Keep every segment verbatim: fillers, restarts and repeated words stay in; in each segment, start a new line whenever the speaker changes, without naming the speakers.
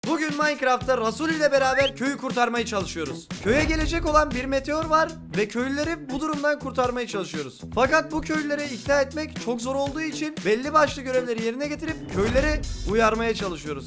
Bugün Minecraft'ta Rasul ile beraber köyü kurtarmaya çalışıyoruz. Köye gelecek olan bir meteor var ve köylüleri bu durumdan kurtarmaya çalışıyoruz. Fakat bu köylüleri ikna etmek çok zor olduğu için belli başlı görevleri yerine getirip köyleri uyarmaya çalışıyoruz.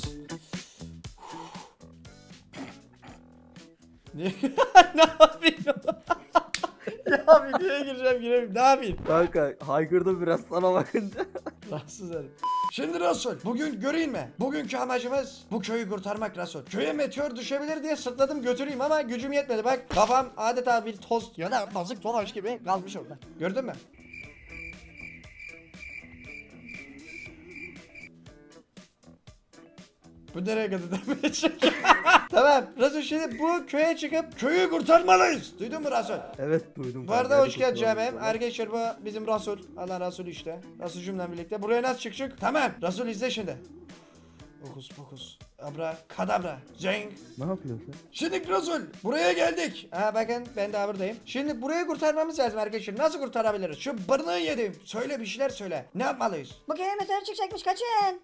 ne ne yapayım? Ya videoya gireceğim gireyim. Ne yapayım?
Kanka haykırdım biraz sana bakınca.
Rahatsız herif. Şimdi Rasul, bugün göreyim mi? Bugünkü amacımız bu köyü kurtarmak Rasul. Köye meteor düşebilir diye sırtladım götüreyim ama gücüm yetmedi bak. Kafam adeta bir toz ya da bazık tomaş gibi kalmış orada. Gördün mü? Bu nereye kadar devam edecek? Tamam Rasul, şimdi bu köye çıkıp köyü kurtarmalıyız. Duydun mu Rasul?
Evet duydum.
Bu arada
kanka,
hoş
hadi
geldin
kurtulalım
Cemem.
sonra.
Arkadaşlar bu bizim Rasul. Allah Rasul işte. Rasul'cumla birlikte. Buraya nasıl çıkacak? Tamam. Rasul izle şimdi. Okus pokus. Abra kadabra. Zeng.
Ne yapıyorsun sen?
Şimdi Rasul buraya geldik. Ha bakın ben de buradayım. Şimdi burayı kurtarmamız lazım arkadaşlar. Nasıl kurtarabiliriz? Şu bırnağı yedim. Söyle bir şeyler söyle. Ne yapmalıyız?
Bu köye meteor çıkacakmış, kaçın.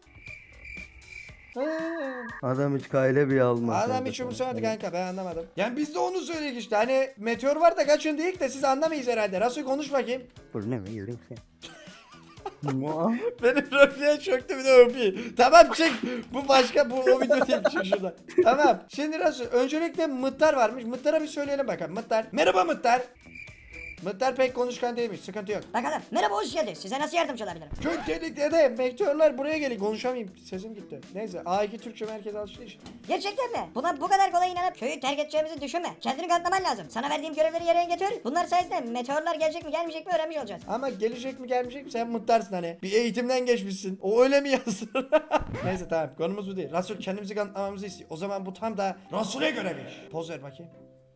Adam hiç kayle bir almaz.
Adam
kanka
hiç
sana.
umursamıyordu kanka, ben anlamadım. Yani biz de onu söyledik işte. Hani meteor var da kaçın deyik de siz anlamayız herhalde. Rasul konuş bakayım.
Bu ne mi yürüyüm sen? Mua.
Benim Rofi'ye çöktü bir de öpeyim. Tamam çık. Bu başka, bu o video değil, çık şuradan. Tamam. Şimdi nasıl? Öncelikle Mıttar varmış. Mıttar'a bir söyleyelim bakalım. Mıttar. Merhaba Mıttar. Mıttar pek konuşkan değilmiş. Sıkıntı yok.
Bakalım. Merhaba, hoş geldiniz. Size nasıl yardımcı olabilirim?
Köy tehlikede. Meteorlar buraya geliyor. Konuşamayayım. Sesim gitti. Neyse. A iki Türkçe merkez alıştı işte.
Gerçekten mi? Buna bu kadar kolay inanıp köyü terk edeceğimizi düşünme. Kendini kanıtlaman lazım. Sana verdiğim görevleri yerine getir. Bunlar sayesinde meteorlar gelecek mi gelmeyecek mi öğrenmiş olacağız.
Ama gelecek mi gelmeyecek mi sen Mıttarsın hani. Bir eğitimden geçmişsin. O öyle mi yazsın? Neyse tamam. Konumuz bu değil. Rasul kendimizi kanıtlamamızı istiyor. O zaman bu tam da Rasul'e göre bir iş. Poz ver bakayım.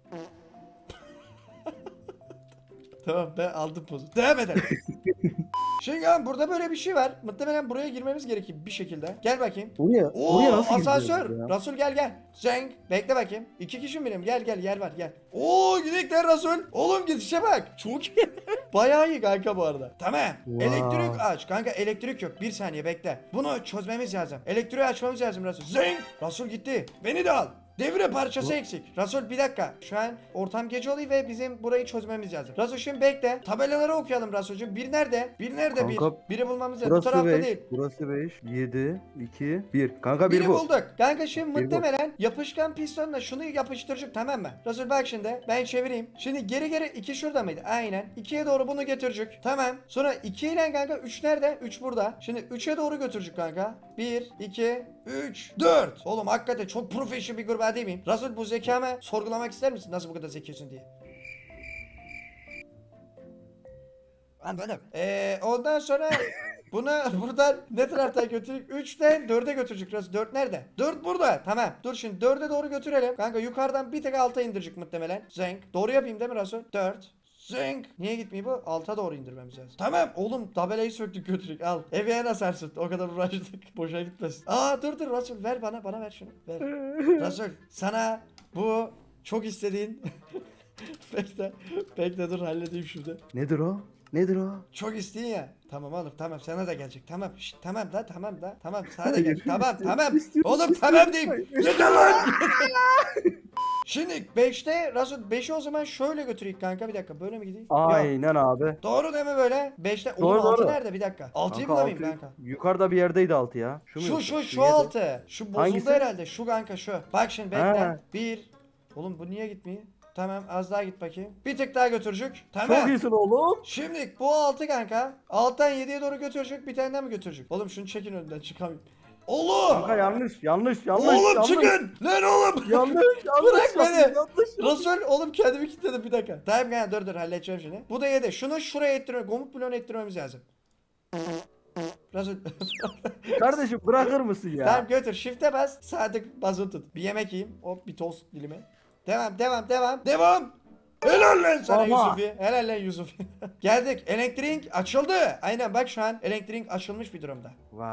Tamam ben aldım pozu. Devam edelim. Şimdi abi burada böyle bir şey var. Muhtemelen buraya girmemiz gerekir bir şekilde. Gel bakayım.
Oraya,
Oo
oraya nasıl
asansör.
gidiyoruz ya?
Rasul gel gel. Zeng. Bekle bakayım. İki kişi mi benim? Gel gel yer var gel. Oo gidekler Rasul. Oğlum gidişe bak. Çok iyi. Bayağı iyi kanka bu arada. Tamam.
Wow.
Elektrik aç. Kanka elektrik yok. Bir saniye bekle. Bunu çözmemiz lazım. Elektriği açmamız lazım Rasul. Zeng. Rasul gitti. Beni de al. Devre parçası eksik. Rasul bir dakika. Şu an ortam gece oluyor ve bizim burayı çözmemiz lazım. Rasul şimdi bekle. Tabelaları okuyalım Rasul'cum. Bir nerede? Bir nerede
Kanka,
bir? Biri bulmamız lazım. Bu
Burası
tarafta
beş,
değil.
burası beş, yedi, iki, bir. Kanka bir
Biri
bu.
bulduk. Kanka şimdi
Bir bu.
muhtemelen yapışkan pistonla şunu yapıştıracak, tamam mı? Rasul bak şimdi ben çevireyim. Şimdi geri geri iki şurada mıydı? Aynen. ikiye doğru bunu götürecek. Tamam. Sonra iki ile kanka üç nerede? üç burada. Şimdi üçe doğru götürecek kanka. bir, iki, üç, dört. Oğlum hakikaten çok profesyonel bir gruba değil miyim? Rasul bu zekamı sorgulamak ister misin? Nasıl bu kadar zekisin diye. Anladım. Eee ondan sonra bunu buradan ne taraftan götürük? üçten dörde götürecek. Rasul dört nerede? dört burada. Tamam. Dur şimdi dörde doğru götürelim. Kanka yukarıdan bir tek alta indirecek muhtemelen. Zenk. Doğru yapayım değil mi Rasul? dört. Zenk. Niye gitmiyor bu? Alta doğru indirmemiz lazım. Tamam oğlum tabelayı söktük götürük al. Eve asarsın. O kadar uğraştık. Boşa gitmesin. Aa dur dur Rasul ver bana bana ver şunu. Ver. Rasul sana bu çok istediğin bekle. Bekle dur halledeyim şurada.
Nedir o? Nedir o?
Çok isteyin ya. Tamam oğlum tamam sana da gelecek. Tamam şşt, tamam da tamam da tamam sana da gelecek. Tamam tamam. Oğlum tamam diyeyim. Yeter lan. Şimdi beşte Rasul beşi o zaman şöyle götüreyim kanka, bir dakika böyle mi gideyim? Yok.
Aynen abi.
Doğru değil mi böyle? beşte
Doğru,
oğlum altı
doğru.
nerede bir dakika? altıyı
Kanka,
bulamayayım
altı-
kanka.
Yukarıda bir yerdeydi altı ya. Şu mu
Şu
yoksa?
şu şu
yedi.
altı. Şu bozuldu
Hangisi?
herhalde. Şu kanka şu. Bak şimdi bekle.
Ha.
Bir. Oğlum bu niye gitmiyor? Tamam az daha git bakayım. Bir tık daha götürecek.
Çok
Tamam.
iyisin oğlum.
Şimdi bu altı kanka. Alttan yediye doğru götürecek. Bir tane daha mı götürecek? Oğlum şunu çekin önünden çıkamayayım. Oğlum.
Kanka yanlış yanlış yanlış.
Oğlum
yanlış.
çıkın. Lan oğlum.
Yanlış yanlış.
Bırak beni.
Yanlış.
Rasul oğlum kendimi kilitledim bir dakika. Tamam kanka dur dur halledeceğim şimdi. Bu da yedi. Şunu şuraya ettirmemiz, komut bloğuna ettirmemiz lazım. Rasul.
Kardeşim bırakır mısın ya?
Tamam götür. Shift'e bas. Sadık bazı tut. Bir yemek yiyeyim. Hop bir tost dilimi. Devam devam devam. Devam. Helal lan sana
Baba.
Yusufi. Helal lan Yusufi. Geldik. Elektrik açıldı. Aynen bak şu an elektrik açılmış bir durumda.
Vay.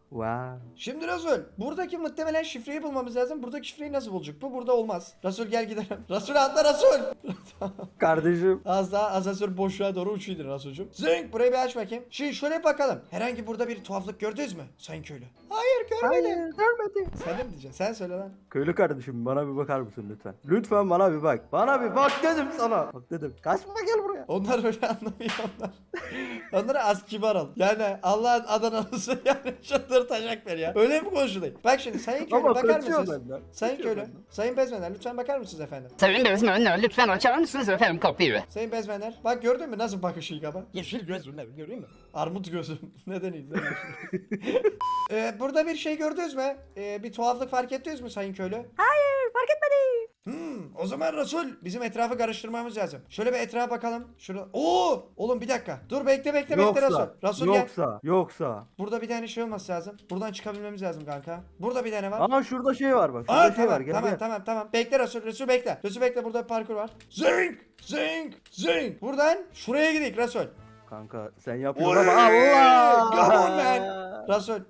Wow.
Şimdi Rasul, buradaki muhtemelen şifreyi bulmamız lazım. Buradaki şifreyi nasıl bulacak? Bu burada olmaz. Rasul gel gidelim. Rasul atla Rasul.
Kardeşim.
Az daha asansör boşluğa doğru uçuyordu Rasul'cum. Zınk burayı bir aç bakayım. Şimdi şöyle bakalım. Herhangi burada bir tuhaflık gördünüz mü Sayın Köylü? Hayır görmedim.
görmedim.
Sen de mi diyeceksin? Sen söyle lan.
Köylü kardeşim bana bir bakar mısın lütfen? Lütfen bana bir bak. Bana bir bak dedim sana. Bak dedim. Kaçma gel buraya.
Onlar öyle anlamıyor onlar. Onlara az kibar ol. Yani Allah'ın Adanalısı yani çıldırtacak beni ya. Öyle mi konuşuluyor? Bak şimdi Sayın Köylü
Ama
bakar
kaçıyor
mısınız?
benden.
Sayın
Kaçıyor
Köylü,
benden.
Sayın Bezmenler lütfen bakar mısınız efendim?
Sayın Bezmenler lütfen açar mısınız efendim kapıyı?
Sayın Bezmenler bak gördün mü nasıl bakışı ilk ama? Yeşil gözümle göreyim mi? Armut gözüm. Neden iyi? Neden iyi? ee, burada bir şey gördünüz mü? Ee, bir tuhaflık fark ettiniz mi Sayın Köylü?
Hayır fark etmedi.
Hmm, o zaman Resul bizim etrafı karıştırmamız lazım. Şöyle bir etrafa bakalım. Şurada. Oo! Oğlum bir dakika. Dur bekle bekle bekle Resul.
Yoksa,
Resul gel.
yoksa, yoksa.
Burada bir tane şey olması lazım. Buradan çıkabilmemiz lazım kanka. Burada bir tane var.
Aa şurada şey var bak. Şurada
Aa
şey
tamam
var. Gel
tamam
gel.
tamam tamam. Bekle Resul. Resul bekle. Resul bekle burada bir parkur var. Zing! Zing! Zing! Buradan şuraya gidelim Resul.
Kanka sen
Oy!
yapıyorsun ama Allah.
Come on man. Resul.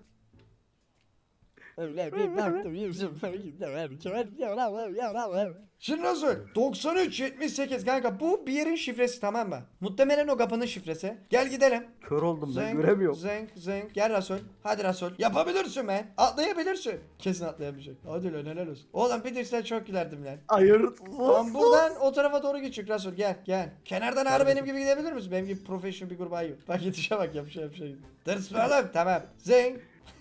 Şimdi Resul doksan üç yetmiş sekiz kanka bu bir yerin şifresi tamam mı? Muhtemelen o kapının şifresi. Gel gidelim.
Kör oldum ben
Zeng,
göremiyorum.
Zeng, zeng. Gel Resul. Hadi Resul. Yapabilirsin ben. Atlayabilirsin. Kesin atlayamayacak. Hadi lan helal olsun. Oğlum bitirsen çok gülerdim lan.
Hayır.
Tamam buradan o tarafa doğru geçecek Resul gel gel. Kenardan ağrı benim gibi gidebilir misin? Benim gibi profesyonel bir gruba yok. Bak yetişe bak yapışa yapışa gidiyor. Dırs oğlum tamam. Zeng.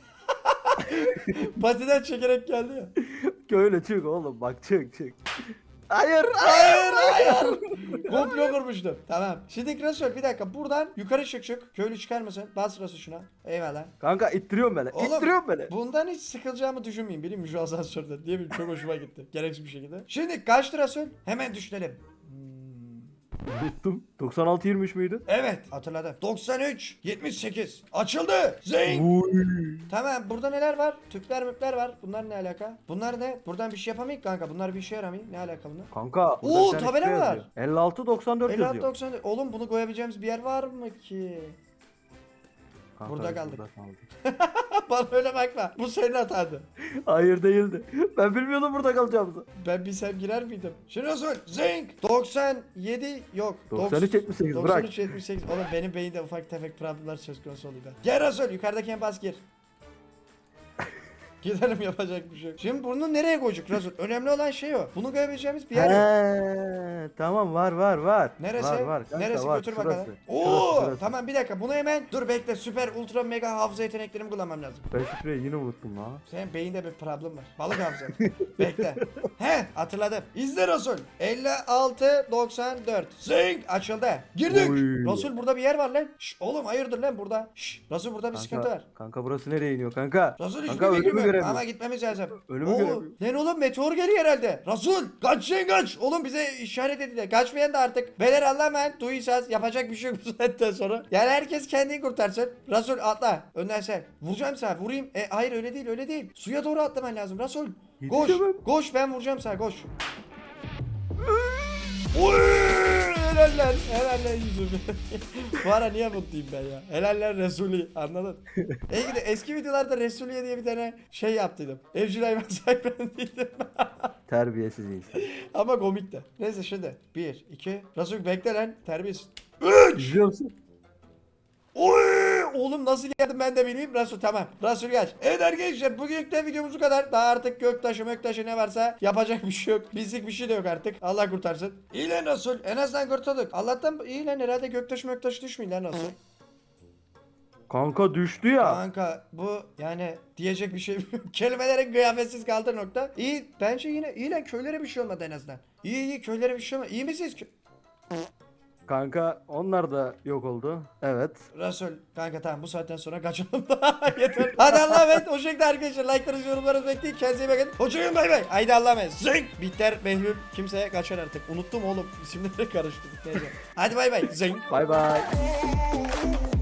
Patiden çekerek geldi ya.
Köylü çık oğlum bak çık çık. Hayır.
Hayır hayır. Komplo kurmuştum. Tamam. Şimdi Resul bir dakika buradan yukarı çık çık. Köylü çıkar mısın? Bas Resul şuna. Eyvallah.
Kanka ittiriyorum beni.
Oğlum,
İttiriyorum beni.
Bundan hiç sıkılacağımı düşünmeyin. Bileyim mi şu asansörde? Diye bileyim çok hoşuma gitti. Gereksiz bir şekilde. Şimdi kaçtı Resul? Hemen düşünelim. Hmm.
Tuttum. doksan altı yirmi üç müydü?
Evet hatırladım. doksan üç yetmiş sekiz. Açıldı. Zing.
Uy.
Tamam burada neler var? Tüpler müpler var. Bunlar ne alaka? Bunlar ne? Buradan bir şey yapamayız kanka. Bunlar bir işe yaramıyor. Ne alaka bunlar?
Kanka. burada
Oo,
bir tane
tabela
şey
var.
yazıyor. elli altı doksan dört
elli altı
yazıyor.
doksan. Oğlum bunu koyabileceğimiz bir yer var mı ki?
Kanka,
Burada kaldık.
burada kaldık.
Bana öyle bakma. Bu senin hatandı.
Hayır değildi. Ben bilmiyordum burada kalacağımızı.
Ben bilsem girer miydim? Şimdi Resul. Zing. doksan yedi yok.
doksan üç yetmiş sekiz bırak.
doksan üç yetmiş sekiz. Oğlum benim beyinde ufak tefek problemler söz konusu oluyor. Gel Resul yukarıdaki en bas gir. Gidelim yapacak bir şey yok. Şimdi bunu nereye koyacak Resul? Önemli olan şey o. Bunu koyabileceğimiz bir yer yok.
He, tamam var var var.
Neresi?
Var var. Kanka,
Neresi
var.
götür
Şurası.
bakalım.
Şurası,
Oo
şurası.
tamam bir dakika bunu hemen dur bekle süper ultra mega hafıza yeteneklerimi kullanmam lazım.
Ben şifreyi yine unuttum la.
Senin beyinde bir problem var. Balık hafıza. Bekle. He hatırladım. İzle Resul. elli altı doksan dört. Zing açıldı. Girdik.
Oy.
Resul burada bir yer var lan. Şş, oğlum hayırdır lan burada. Şş, Resul burada bir sıkıntı var.
Kanka burası nereye iniyor kanka?
Resul hiçbir
Kanka
fikrim
ölümü
yok
göremiyorum.
ama gitmemiz lazım.
Ölümü
Oo,
göremiyorum.
Lan oğlum meteor geliyor herhalde. Resul kaç şey kaç. Oğlum bize işaret edildi. Kaçmayan da artık. Beyler anlamayın. Duyacağız. Yapacak bir şey yok bu saatten sonra. Yani herkes kendini kurtarsın. Resul atla. Önden sen. Vuracağım sana. Vurayım. E hayır öyle değil öyle değil. Suya doğru atlaman lazım Resul. Koş.
Yetişemem.
Koş ben vuracağım sana koş. Oy! Helaller, helaller yüzüm. Bu ara niye mutluyum ben ya? Helaller Resulü, anladın? E gidi eski videolarda Resulüye diye bir tane şey yaptıydım. Evcil hayvan sahiplendiydim.
Terbiyesiz insan.
Ama komik de. Neyse şimdi. Bir, iki. Resul bekle lan. Terbiyesiz.
İzliyor musun?
Oy! Oğlum nasıl geldim ben de bileyim. Resul tamam. Resul geç. Evet arkadaşlar bugünlük de videomuz bu kadar. Daha artık göktaşı möktaşı ne varsa yapacak bir şey yok. Bizlik bir şey de yok artık. Allah kurtarsın. İyi lan Resul. En azından kurtulduk. Allah'tan iyi lan herhalde göktaşı möktaşı düşmüyor lan Resul.
Kanka düştü ya.
Kanka bu yani diyecek bir şey yok. Kelimelerin kıyafetsiz kaldığı nokta. İyi bence yine iyi lan köylere bir şey olmadı en azından. İyi iyi köylere bir şey olmadı. İyi misiniz?
Kanka onlar da yok oldu. Evet.
Resul kanka tamam bu saatten sonra kaçalım da yeter. Hadi Allah'a emanet. O şekilde arkadaşlar like'larınızı yorumlarınızı bekleyin. Kendinize iyi bakın. Hoşçakalın bay bay. Haydi Allah'a emanet. Zing. Biter Behlül. Kimseye kaçar artık. Unuttum oğlum. İsimleri karıştırdık. Neyse. Hadi bay bay. Zing.
Bay bay.